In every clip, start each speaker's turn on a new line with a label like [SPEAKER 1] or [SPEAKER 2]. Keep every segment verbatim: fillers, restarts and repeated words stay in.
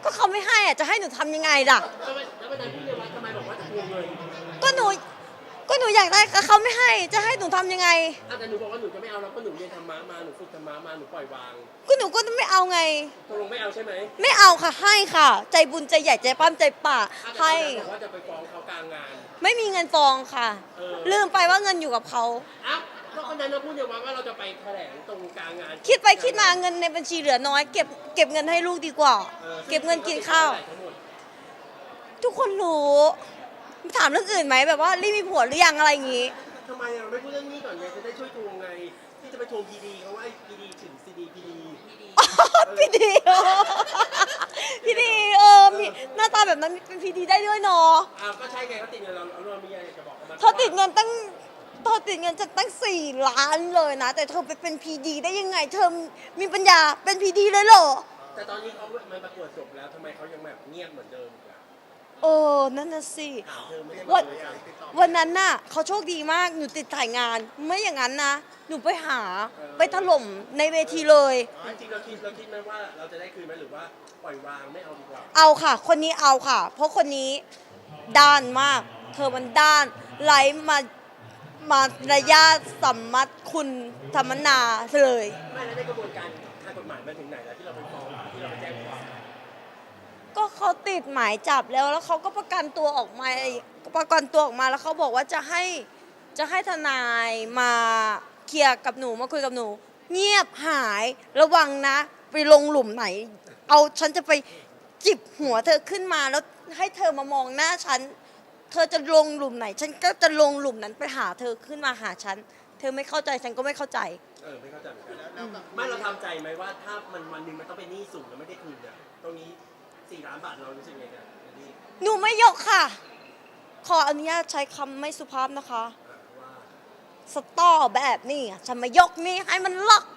[SPEAKER 1] ก็เขาไม่ให้อ่ะจะให้หนูทำยังไงล่ะ
[SPEAKER 2] แล้ววันนั้นพี่เรียนวัดทำไมบอกว่าจะทวงเงิน
[SPEAKER 1] ก็หนูก็หนูอยากได้เขาไม่ให้จะให้หนูทำยังไง
[SPEAKER 2] แต่หนูบอกว่าหนูจะไม่เอาแล้วก็หนูเรียนธรรมะมาหนูฝึกธรรมะมาหนูปล่อยวาง
[SPEAKER 1] ก็หนูก็ไม่เอาไง
[SPEAKER 2] ตกลงไม่เอาใช่ไหม
[SPEAKER 1] ไม่เอาค่ะให้ค่ะใจบุญใจใหญ่ใจปั้มใจป่าให้
[SPEAKER 2] บอกว่าจะไปฟ้องเขากลางงาน
[SPEAKER 1] ไม่มีเงินฟ้องค่ะลืมไปว่าเงินอยู่กับเขา
[SPEAKER 2] อ้าวก็คนนั้นเราพูดเดียวว่าเราจะไปแถลงตรงกลางงาน
[SPEAKER 1] คิดไปคิดมาเงินในบัญชีเหลือน้อยเก็บเก็บเงินให้ลูกดีกว่าเก็บเงินกินข้าวทุกคนรู้ถามเรื่องอื่นไหมแบบว่ารีบมีผัวหรือยังอะไรอย่างงี้
[SPEAKER 2] ทำไมเราไม่พูดเรื่องนี้ก่อนไงจะได้ช่วยทวงไงที่จะไปทวงพีดีเขาว่าไอ้พีดีถึงซีดีพีดี
[SPEAKER 1] พีดีพีดีเออมีหน้าตาแบบนั้นเป็นพีดีได้ด้วยเนาะ
[SPEAKER 2] อ้าวก็ใช่ไงเขาติดเงินเราเรามีอะไรจะบอกเขา
[SPEAKER 1] เธอติดเงินตั้งเธอติดเงินจะตั้งสี่ล้านเลยนะแต่เธอไปเป็นพีดีได้ยังไงเธอมีปัญญาเป็นพีดีเลยเหรอ
[SPEAKER 2] แต่ตอนนี้เขามาประกวดจบแล้วทำไมเขายังแบบเงียบเหมือนเดิม
[SPEAKER 1] เออนั่นน่ะสิวันวันนั้นน่ะเขาโชคดีมากหนูติดถ่ายงานไม่อย่างนั้นนะหนูไปหาไปถล่มในเวทีเลย
[SPEAKER 2] จริงๆเราคิดเราคิดไหมว่าเราจะได้คืนไหมหรือว่าปล่อยวางไม่เอาดีกว่า
[SPEAKER 1] เอาค่ะคนนี้เอาค่ะเพราะคนนี้ด้านมากเธอมันด้านไร้มามาระยะสัมมัติคุณธรรมนาเลย
[SPEAKER 2] ไม่แล้วในกระบวนการทางกฎหมายมาถึงไหนแล้วที่เราไปฟ้องที่เราไปแจ้งความ
[SPEAKER 1] ก็เขาติดหมายจับแล้วแล้วเขาก็ประกันตัวออกมาประกันตัวออกมาแล้วเขาบอกว่าจะให้จะให้ทนายมาเคลียร์กับหนูมาคุยกับหนูเงียบหายระวังนะไปลงหลุมไหนเอาฉันจะไปจิบหัวเธอขึ้นมาแล้วให้เธอมามองหน้าฉันเธอจะลงหลุมไหนฉันก็จะลงหลุมนั้นไปหาเธอขึ้นมาหาฉันเธอไม่เข้าใจฉันก็ไม่เข้าใจ
[SPEAKER 2] เออไม่เข้าใจเหมือนกันไม่เราทำใจไหมว่าถ้ามันวันหนึ่งมันต้องเป็นหนี้สูงแล้วไม่ได้คืนเนี่ยตรงนี้สี่ล้านบาทเรารู้สึกไงกัน
[SPEAKER 1] หนูไม่ยกค่ะขออนุญาตใช้คำไม่สุภาพนะคะสตอแบบนี้ฉันมายกนี่ให้มันล็อก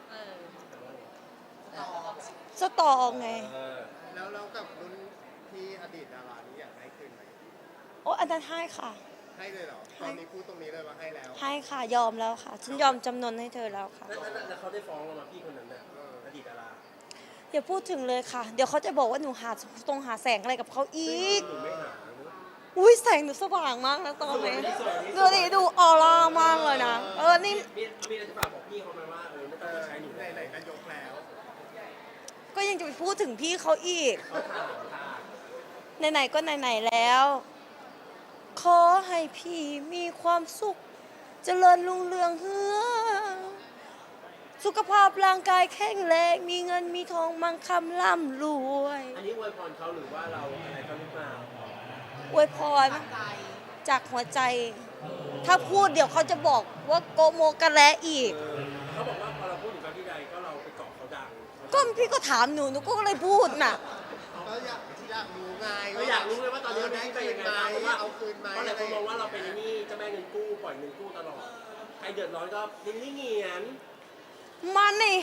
[SPEAKER 1] สตอไง
[SPEAKER 3] แล้วแล้วกับรุ่นที่อดีตดารานี้อยากให้คืนไหม
[SPEAKER 1] โอ้อันนั้นให้ค่ะ
[SPEAKER 3] ให้เลยเหรอตอนนี้พูดตรงนี้เลยว่าให้แล้ว
[SPEAKER 1] ให้ค่ะยอมแล้วค่ะฉันยอมจำนนให้เธอแล้วค่ะ
[SPEAKER 2] แล้วเขาได้ฟ้องเรามาพี่คนนั้นน่ะอดีตดารา
[SPEAKER 1] อย่าพูดถึงเลยค่ะเดี๋ยวเขาจะบอกว่าหนูหาตรงหาแสงอะไรกับเขาอีกอุ้ยแสงหนูสว่างมากนะตอนนี้ดูดิดูออร่ามากเลยนะเออนี่
[SPEAKER 2] มีอะไรจะฝากบอกพี่เขาไหมว่าเออไม่ต้องใช้หนู
[SPEAKER 3] ไหนๆก็ยกแล้ว
[SPEAKER 1] ก็ยังจะไปพูดถึงพี่เขาอีกไหนๆก็ไหนๆแล้วขอให้พี่มีความสุขเจริญรุ่งเรืองเฮือสุขภาพร่างกายแข็งแรงมีเงินมีทองมั่งคั่งร่ำรวย
[SPEAKER 2] อันนี้อวยพรเขาหรือว่าเราอะไรเขาหรือเปล่า
[SPEAKER 1] อวยพรจากหัวใจถ้าพูดเดี๋ยวเขาจะบอกว่าโกโมกะแลอีก
[SPEAKER 2] เขาบอกว่าพอเราพูดถึงเขาที่ใดก็เราไปเกาะเขาดัง
[SPEAKER 1] ก็พี่ก็ถามหนูหนูก็เลยพูดน่ะ
[SPEAKER 3] ก็อยากอยากรู้ไง
[SPEAKER 2] ก็อยากรู้เลยว่าตอนนี้ได้ไปยังไงเพราะว่าเอาคืนมาเพราะหลายคนมองว่าเราเป็นนี่เจ้าแม่เงินกู้ปล่อยเงินกู้ตลอดใครเดือดร้อนก็ดิ้นเงียน
[SPEAKER 1] มันนี่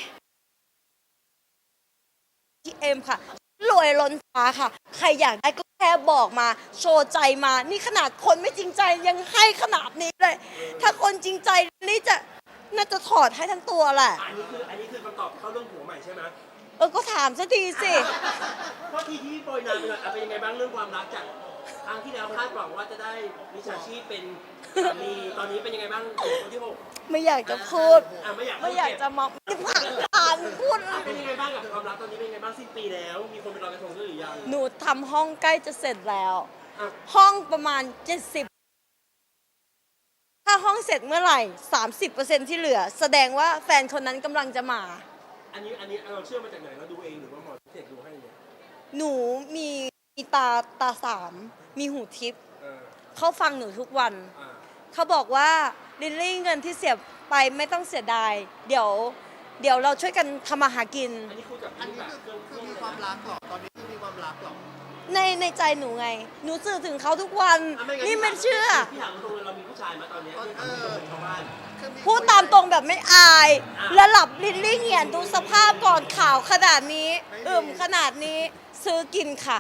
[SPEAKER 1] ที่เอ็มค่ะรวยล้นฟ้าค่ะใครอยากได้ก็แค่บอกมาโชว์ใจมานี่ขนาดคนไม่จริงใจยังให้ขนาดนี้เลยถ้าคนจริงใจนี่จะน่าจะถอดให้ทั้งตัวแหละ
[SPEAKER 2] อันนี้คืออันนี้คือคำตอบเข้าเรื่องผัวใหม่ใช่ไหม
[SPEAKER 1] เออก็ถามสักทีสิ
[SPEAKER 2] เพราะทีที่โปรยนานเป็นยังไงบ้างเรื่องความรักจากครั้งที่แล้วคาดหวังว่าจะได้มิจฉาชีพเป็นสามีตอนนี้เป็นยังไงบ้างคนที่หก
[SPEAKER 1] ไม่อยากจะพูด
[SPEAKER 2] ไม่อยาก
[SPEAKER 1] ไม่อยากจะมองที่ผ่านผ่านพูด
[SPEAKER 2] เป็นยังไงบ้างกับความรักตอนนี้เป็นยังไงบ้างสิ้นปีแล้วมีคนไปลอยกระทงด้วยหรือยัง
[SPEAKER 1] หนูทำห้องใกล้จะเสร็จแล้วห้องประมาณเจ็ดสิบถ้าห้องเสร็จเมื่อไหร่ สามสิบเปอร์เซ็นต์ ที่เหลือแสดงว่าแฟนคนนั้นกำลังจะมา
[SPEAKER 2] อันนี้อันนี้เราเชื่อมาจากไหนเราดูเองหรือว่าหมอเสกดูให้เนี่ย
[SPEAKER 1] หนูมีตาตาสามมีหูทิพย์เขาฟังหนูทุกวันเขาบอกว่าลิลลี่เงินที่เสียไปไม่ต้องเสียดายเดี๋ยวเดี๋ยวเราช่วยกันทำมาหากิน
[SPEAKER 2] อันนี้คือกับ
[SPEAKER 3] อันนี้คือคือมีความรักหรอตอนนี้คือมีความรักหรอ
[SPEAKER 1] ในในใจหนูไงหนูสื่อถึงเขาทุกวันนี่ไม่เชื่อ
[SPEAKER 2] พี่ถามตรงเรามีผู้ชายมาตอนนี้ที่ถามตรงเป็นชาวบ้าน
[SPEAKER 1] พูดตามตรงแบบไม่อายและหลับลิลลี่เหี่ยนดูสภาพก่อนข่าวขนาดนี้อึมขนาดนี้ซื้อกินค่ะ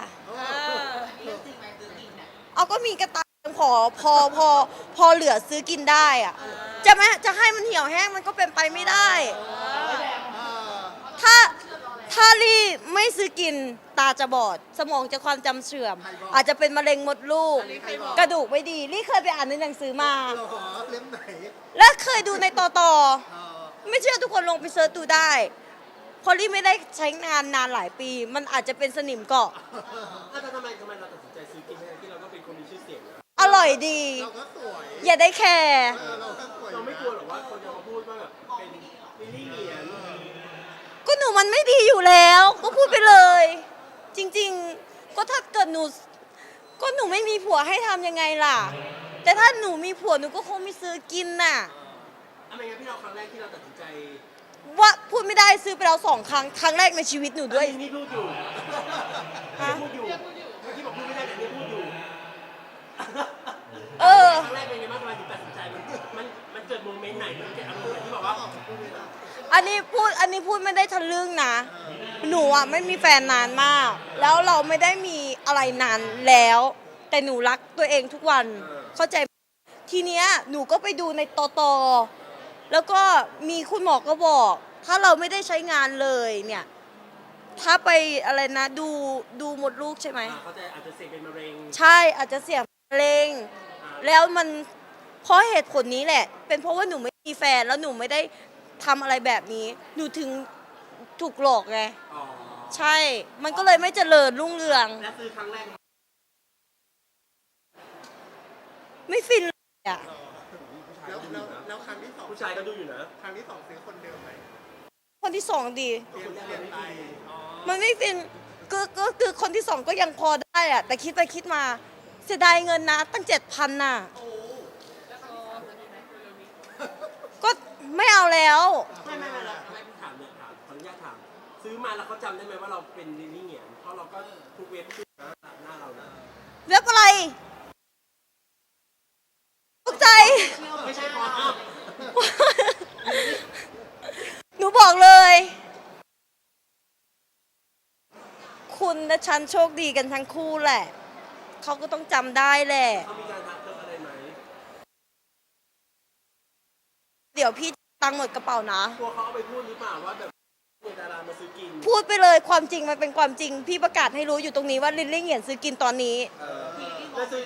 [SPEAKER 1] เอาก็มีกระตังพอพอพอพอเหลือซื้อกินได้อะจะไม่จะให้มันเหี่ยวแห้งมันก็เป็นไปไม่ได้ถ้าถ้าลี่ไม่ซื้อกินตาจะบอด สมองจะความจำเสื่อม อาจจะเป็นมะเร็งมดลูก
[SPEAKER 3] ใครบอก
[SPEAKER 1] กระดูกไม่ดีลี่เคยไปอ่านในหนังสือมา
[SPEAKER 3] เหรอเล่มไหน
[SPEAKER 1] และเคยดูในต่อต่อ
[SPEAKER 3] เออ
[SPEAKER 1] ไม่เชื่อทุกคนลงไปเซิร์ชดูได้เพราะลี่ไม่ได้ใช้งานนานหลายปี มันอาจจะเป็นสนิมเกาะ
[SPEAKER 2] ถ้าทำไมทำไมเราตัดสินใจซื้อกินทั้งที่เราก็เป็นคนมีชื่อเสียงนะ
[SPEAKER 1] อร่อยดี
[SPEAKER 3] เราก็สวย
[SPEAKER 1] อย่าได้แคร์
[SPEAKER 3] เออเราก็สวย
[SPEAKER 2] เราไม่กลัวหรอกว่าคนจะมาพูดว่าแบบเป็นลิลลี่เหงียน
[SPEAKER 1] ก็หนูมันไม่ดีอยู่แล้ว ก็พูดไปเลย จริงๆ ก็ถ้าเกิดหนู ก็หนูไม่มีผัวให้ทำยังไงล่ะ แต่ถ้าหนูมีผัวหนูก็คงไม่ซื้อกินน่ะ
[SPEAKER 2] อะไรเงี้ยพี่เราครั้งแรกที่เราตัดสินใจ
[SPEAKER 1] ว่าพูดไม่ได้ซื้อไปแล้วสองครั้ง ครั้งแรกในชีวิตหนูด้วย
[SPEAKER 2] อันนี้พูดอยู่
[SPEAKER 1] ฮะ
[SPEAKER 2] พูดอยู่เมื่อกี้บอกพูดไม่ได้แต่นี่พูดอยู่
[SPEAKER 1] เออ
[SPEAKER 2] ครั้งแรกเป็นไงบ้างทำไมถึงตัดสินใจมันมันมันเกิดโมเมนต์ไหนมันเกิดอารมณ์ไหนที่บอกว่า
[SPEAKER 1] อันนี้พูด อันนี้พูดไม่ได้ทะลึ่งนะ หนูอ่ะไม่มีแฟนนานมาก แล้วเราไม่ได้มีอะไรนานแล้ว แต่หนูรักตัวเองทุกวัน เข้าใจไหมทีเนี้ยหนูก็ไปดูในตอตอแล้วก็มีคุณหมอก็บอก ถ้าเราไม่ได้ใช้งานเลยเนี่ย ถ้าไปอะไรนะ ดูดูมดลูกใช่ไหม
[SPEAKER 2] เขาจะอาจจะเสี่ยงเป็นมะเร็ง
[SPEAKER 1] ใช่อาจจะเสี่ยงมะเร็ง แล้วมันเพราะเหตุผลนี้แหละ เป็นเพราะว่าหนูไม่มีแฟนแล้วหนูไม่ได้ทำอะไรแบบนี้ หนูถึงถูกหลอกไง
[SPEAKER 2] อ๋อ
[SPEAKER 1] ใช่ มันก็เลยไม่เจริญรุ่งเรือง
[SPEAKER 2] และซื้อครั้งแรก
[SPEAKER 1] ไม่ฟินเลยอ่ะ
[SPEAKER 3] แล้วแล้วแล้วครั้งที่สอง
[SPEAKER 2] ผู้ชายก็ดูอยู่นะ
[SPEAKER 3] ครั้งที่สองซื้อคนเดิมไหม
[SPEAKER 1] คนที่สองดี
[SPEAKER 3] เปลี่ยนเปลี่ยนไปอ๋อ
[SPEAKER 1] มันไม่ฟินก็ก็คือคนที่สองก็ยังพอได้อะแต่คิดไปคิดมา เสียดายเงินนะ ตั้งเจ็ดพันน่ะ ก็ไม่เอาแล้ว
[SPEAKER 2] ไม่ไม่ไม่แล้วไม่พี่ถามเนี่ยถามขออนุญาตถาม ซื้อมาแล้วเขาจำได้ไหมว่าเราเป็นลิลลี่เหงียนเพราะเราก็ทุกเว็บชื่อนะหน้าเรานะ
[SPEAKER 1] เว็บอะไรตกใจ
[SPEAKER 2] ไม่ใช่พออ้าว
[SPEAKER 1] หนูบอกเลย คุณและฉันโชคดีกันทั้งคู่แหละ เขาก็ต้องจำได้แหละ
[SPEAKER 2] เขามีการทักเรื่องอะไรไหม
[SPEAKER 1] เดี๋ยวพี่ตังค์หมดกระเป๋านะ
[SPEAKER 2] กลัวเขาเอาไปพูดหรือเปล่าว่าแบบเนี่ยดารามาซื้อกิน
[SPEAKER 1] พูดไปเลยความจริงมันเป็นความจริง พี่ประกาศให้รู้อยู่ตรงนี้ว่าลิลลี่เหงียนซื้อกินตอนนี้
[SPEAKER 2] แล้วซื้อ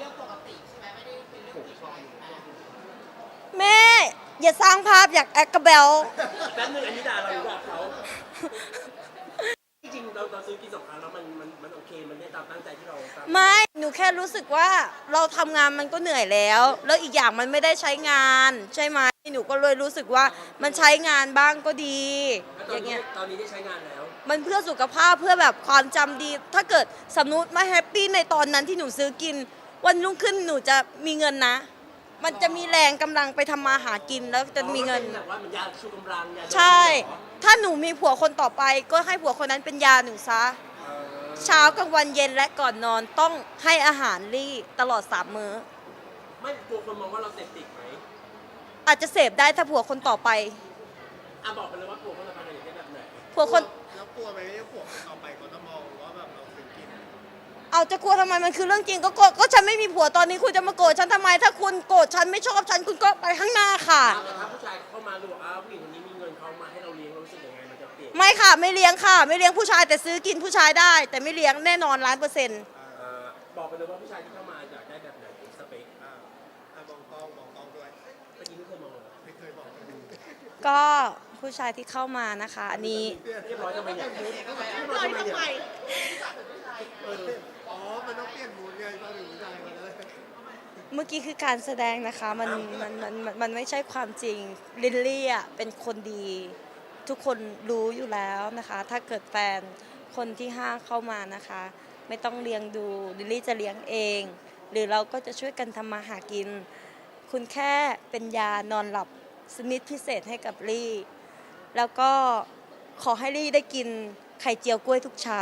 [SPEAKER 1] แม่ อย่าสร้างภาพอยากแอคกระเบล
[SPEAKER 2] แป๊บนึงอันนี้ด่าเราหรือด่าเขาจริงๆเราเราซื้อกินสองครั้งแล้วมันมันมันโอเคมันได้ตามตั้งใจที่เราตั้ง
[SPEAKER 1] ไม่ หนูแค่รู้สึกว่าเราทำงานมันก็เหนื่อยแล้ว แล้วอีกอย่างมันไม่ได้ใช้งาน ใช่ไหมหนูก็เลยรู้สึกว่ามันใช้งานบ้างก็ดี
[SPEAKER 2] แล้วต
[SPEAKER 1] อ
[SPEAKER 2] อน
[SPEAKER 1] ย่าง
[SPEAKER 2] นี้
[SPEAKER 1] เงี้ย
[SPEAKER 2] ตอนนี้ได้ใช้งานแล้ว
[SPEAKER 1] มันเพื่อสุขภาพเพื่อแบบความจำดี ถ้าเกิดสมมติมาแฮปปี้ในตอนนั้นที่หนูซื้อกิน วันรุ่งขึ้นหนูจะมีเงินนะ มันจะมีแรงกำลังไปทำมาหากินแล้วจะมีเงิน
[SPEAKER 2] แบบว่ามันยาชูกำลังยา
[SPEAKER 1] ใช่ ถ้าหนูมีผัวคนต่อไป ก็ให้ผัวคนนั้นเป็นยาหนูซะ เช้ากลางวันเย็นและก่อนนอนต้องให้อาหารลี่ตลอดสามมื้อ
[SPEAKER 2] ไม่กลัวคนมองว่าเราเสพติดไหม
[SPEAKER 1] อาจจะเสพได้ถ้าผัวคนต่อไป
[SPEAKER 2] อ่ะบอกไปเลยว่ากลัวคนละพันอะไรอย่างเงี้ยแบบไหน
[SPEAKER 1] ผัวคน
[SPEAKER 3] แล้วกลัวไหมว่าผัวคนต่อไปเขาจะมองว่าแบบเราซื้อกิน
[SPEAKER 1] เอาจะกลัวทำไมมันคือเรื่องจริงก็โกรธก็ฉันไม่มีผัวตอนนี้คุณจะมาโกรธฉันทำไม ถ้าคุณโกรธฉันไม่ชอบฉันคุณก็ไปข้างหน้าค่ะ
[SPEAKER 2] แต่ถ้าผู้ชายเข้ามาดูว่าอ้าวผู้หญิงคนนี้มีเงินเขามาให้เราเลี้ยงเรารู้สึกยังไงมันจะเปลี่ยน
[SPEAKER 1] ไม่ค่ะ ไม่เลี้ยงค่ะ ไม่เลี้ยงผู้ชายแต่ซื้อกินผู้ชายได้ แต่ไม่เลี้ยงแน่นอนล้านเปอร์เซ็นต์
[SPEAKER 2] เอ่อบอกไปเลยว่าผู้ชายที่เข้ามาอยากได้แบบไหนสเปค
[SPEAKER 3] อ่าอ่ะมองกล้องมองกล้องด้วย
[SPEAKER 2] เมื่อกี้ไม่เคยมองเลย
[SPEAKER 3] ไม่เคยบอกเลย
[SPEAKER 1] ก็ผู้ชายที่เข้ามานะคะ อันนี้
[SPEAKER 2] เรียบร้อยทำไมเนี่ยเรียบร้อยทำไมเนี่ยเออ
[SPEAKER 3] อ๋อ มันต้องเปลี่ยนมูดไงตอนถึงผู้ชายมาเลย
[SPEAKER 1] เมื่อกี้คือการแสดงนะคะ มันมันมันมันมันไม่ใช่ความจริงลิลลี่อ่ะเป็นคนดี ทุกคนรู้อยู่แล้วนะคะ ถ้าเกิดแฟนคนที่ห้าเข้ามานะคะ ไม่ต้องเลี้ยงดูลิลลี่จะเลี้ยงเอง หรือเราก็จะช่วยกันทำมาหากิน คุณแค่เป็นยานอนหลับสมิธพิเศษให้กับลี่ แล้วก็ขอให้ลี่ได้กินไข่เจียวกล้วยทุกเช้า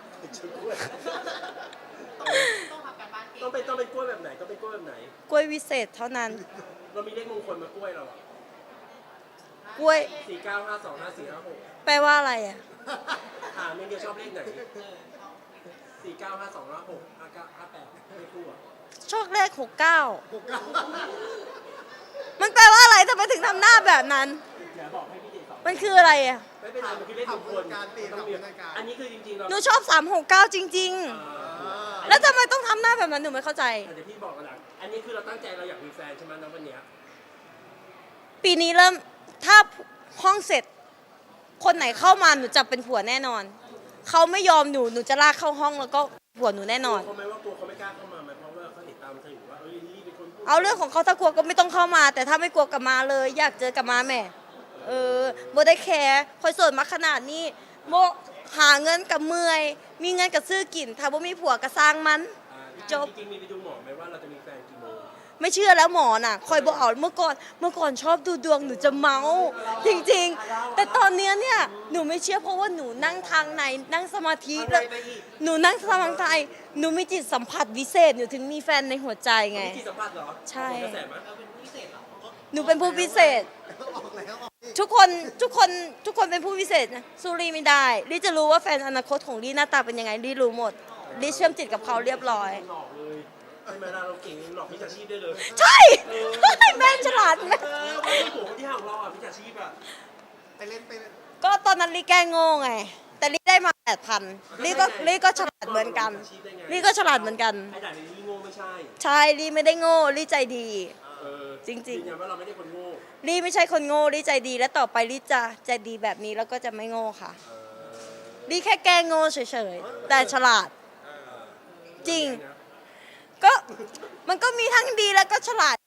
[SPEAKER 2] ต้องเป็นต้องเป็นกล้วยแบบไหนต้องเป็นกล้วยแบบไหน
[SPEAKER 1] กล้วยวิเศษเท่านั้น
[SPEAKER 2] เรามีเลขมงคลมากล้วยเราอะ
[SPEAKER 1] กล้วย
[SPEAKER 2] สี่เก้าห้าสองห้าสี่ห้าหก
[SPEAKER 1] แปลว่าอะไรอ่ะ
[SPEAKER 2] ถามเองเดียวชอบเลขไหนสี่เก้าห้าสองห้าหกห้าเก้าห้าแปดไม่คู่อะ
[SPEAKER 1] โชคเลขหกเก้า
[SPEAKER 3] หกเก้า
[SPEAKER 1] มันแปลว่าอะไรทำไมถึงทำหน้าแบบนั้น
[SPEAKER 2] เดี๋ยวบอกให้พี่เจสอง
[SPEAKER 1] มันคืออะไรอ่ะ
[SPEAKER 3] แป
[SPEAKER 2] ไม่เป็นไรมันคือเล่นทุกคน
[SPEAKER 3] การตี
[SPEAKER 2] ต้อง
[SPEAKER 3] ทำ
[SPEAKER 2] มี
[SPEAKER 3] พนักงาน
[SPEAKER 2] อันนี้คือจริงๆเรา
[SPEAKER 1] หนูชอบสามหกเก้าจริง
[SPEAKER 3] อ่า
[SPEAKER 1] ๆ แล้วทำไมต้องทำหน้าแบบนั้นหนูไม่เข้าใจ
[SPEAKER 2] เดี๋ยวพี่บอกกันหลังอันนี้คือเราตั้งใจเราอยากมีแฟนใช่ไหมน้องวันเนี้ย
[SPEAKER 1] ปีนี้เริ่มถ้าห้องเสร็จ คนไหนเข้ามาหนูจะเป็นผัวแน่นอน เขาไม่ยอมหนูหนูจะลากเข้าห้องแล้วก็ผัวหนูแน่นอน
[SPEAKER 2] เขาไหมว่ากลัวเขาไม่กล้าเข้ามาไหมเพราะว่าเขาเห็นตามเธออยู่ว่าเอ้ยนี่เป็นคนพูด
[SPEAKER 1] เอาเรื่องของเขาถ้ากลัวก็ไม่ต้องเข้ามา แต่ถ้าไม่กลัวกลับมาเลย อยากเจอกลับมาแหม่เออโบได้แคร์คอยโสดมาขนาดนี้โบหาเงินกับเมื่อย มีเงินกับซื้อกิน ถ้าโบมีผัวก็สร้างมัน
[SPEAKER 2] อ่า
[SPEAKER 1] จบ
[SPEAKER 2] จริงๆมีไปดูหมอไหมว่าเราจะมีแฟนกี่โมง
[SPEAKER 1] ไม่เชื่อแล้วหมอน่ะ คอยบอกเอาเมื่อก่อนเมื่อก่อนชอบดูดวงหนูจะเมาจริงๆ แต่ตอนเนี้ยเนี่ยหนูไม่เชื่อเพราะว่าหนูนั่งทางในนั่งสมาธิ
[SPEAKER 2] อะไร
[SPEAKER 1] แล้ว
[SPEAKER 2] ไปอีก
[SPEAKER 1] หนูนั่งสมาธิหนูมีจิตสัมผัสวิเศษหนูถึงมีแฟนในหัวใจไง
[SPEAKER 2] มีจิตสัมผัสเหรอ
[SPEAKER 1] ใช่
[SPEAKER 2] เอาผลกระแสมั้ย
[SPEAKER 1] หนูเป็นผู้พิเศษ
[SPEAKER 3] ออกแล้วออกอีก
[SPEAKER 1] ทุกคนทุกคนทุกคนเป็นผู้พิเศษนะสู้รีไม่ได้รีจะรู้ว่าแฟนอนาคตของรีหน้าตาเป็นยังไงรีรู้หมดรีเชื่อมจิตกับเขาเรียบร้อย
[SPEAKER 2] หลอกเลยใช่ไหมล่ะเราเก่งหลอกมิจฉาชีพได้เลย
[SPEAKER 1] ใช่ แม่ฉลาดแม่
[SPEAKER 2] เออวันนี้หัวคนที่ห่างเราอ่ะมิจฉาชีพอ่ะ
[SPEAKER 3] ไปเล่นไปเล่น
[SPEAKER 1] ก็ตอนนั้นรีแกล้งโง่ไง แต่รีได้มาแปดพันรีก็รีก็ฉลาดเหมือนกันรีก็ฉลาดเหมือนกัน
[SPEAKER 2] ไอ้ด่านนี้โง่ไม่ใช่
[SPEAKER 1] ใช่รีไม่ได้โง่รีใจดี
[SPEAKER 2] เออ
[SPEAKER 1] จริงๆ
[SPEAKER 2] ยืนยันว่าเราไม่ได้คนโง่
[SPEAKER 1] รีไม่ใช่คนโง่รีใจดีและต่อไปรีจะใจดีแบบนี้แล้วก็จะไม่โง่ค่ะ
[SPEAKER 2] เออ
[SPEAKER 1] รีแค่แกล้งโง่เฉยๆแต่ฉลาด
[SPEAKER 2] เออ
[SPEAKER 1] จริง
[SPEAKER 2] นะ
[SPEAKER 1] ก็มันก็มีทั้งดีแล้วก็ฉลาด